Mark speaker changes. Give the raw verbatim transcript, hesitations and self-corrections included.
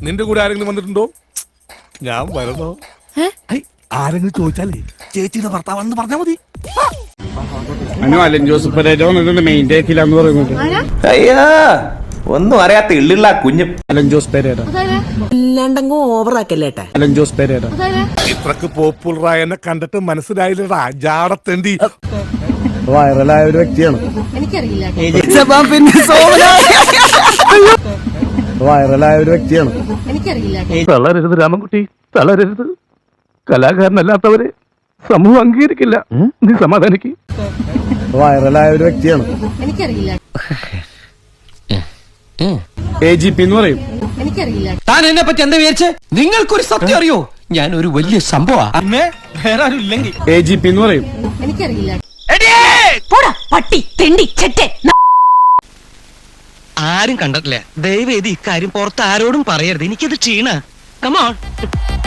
Speaker 1: നിന്റെ കൂടെ ആരെങ്കിലും വന്നിട്ടുണ്ടോ? ഞാൻ വരണോ? ആരെങ്കിലും ചോദിച്ചാലേ ചേച്ചിയുടെ ഭർത്താവാണെന്ന് പറഞ്ഞാൽ മതി.
Speaker 2: അലൻ ജോസ് പെരേര മെയിൻ ഡേക്കിലാന്ന് പറയുന്നത്.
Speaker 3: അയ്യാ ഒന്നും അറിയാത്ത ഇള്ളിള്ള കുഞ്ഞു
Speaker 2: അലൻ ജോസ് പെരേര
Speaker 4: അല്ലാണ്ടങ്ങ് ഓവറാക്കല്ലേട്ടാ.
Speaker 2: അലൻ ജോസ് പെരേര
Speaker 1: ഇത്രക്ക് പോപ്പുലറായ എന്നെ കണ്ടിട്ട് മനസ്സിലായില്ലടാ ജാടത്തേണ്ടി.
Speaker 2: വൈറലായ ഒരു വ്യക്തിയാണ്. വൈറലായ ഒരു വ്യക്തിയാണ്. തളരരുത് രാമൻകുട്ടി, തളരരുത്. കലാകാരനല്ലാത്തവരെ സമൂഹം അംഗീകരിക്കില്ല. നീ സമാധാനിക്ക്. വൈറലായ ഒരു വ്യക്തിയാണ്. എ ജി പി എന്ന് പറയും.
Speaker 5: താൻ എന്നെ പറ്റി എന്താ വിചാരിച്ചേ? നിങ്ങൾക്കൊരു സത്യം അറിയോ? ഞാൻ ഒരു വലിയ സംഭവം. വേറെ ആരും ഇല്ലെങ്കിൽ
Speaker 2: എ ജി പി എന്ന് പറയും.
Speaker 4: പട്ടി തെണ്ടി ചെറ്റെ
Speaker 5: ആരും കണ്ടിട്ടില്ല. ദയവേദി ഇക്കാര്യം പുറത്ത് ആരോടും പറയരുത്. എനിക്കത് ക്ഷീണ. കമോൺ.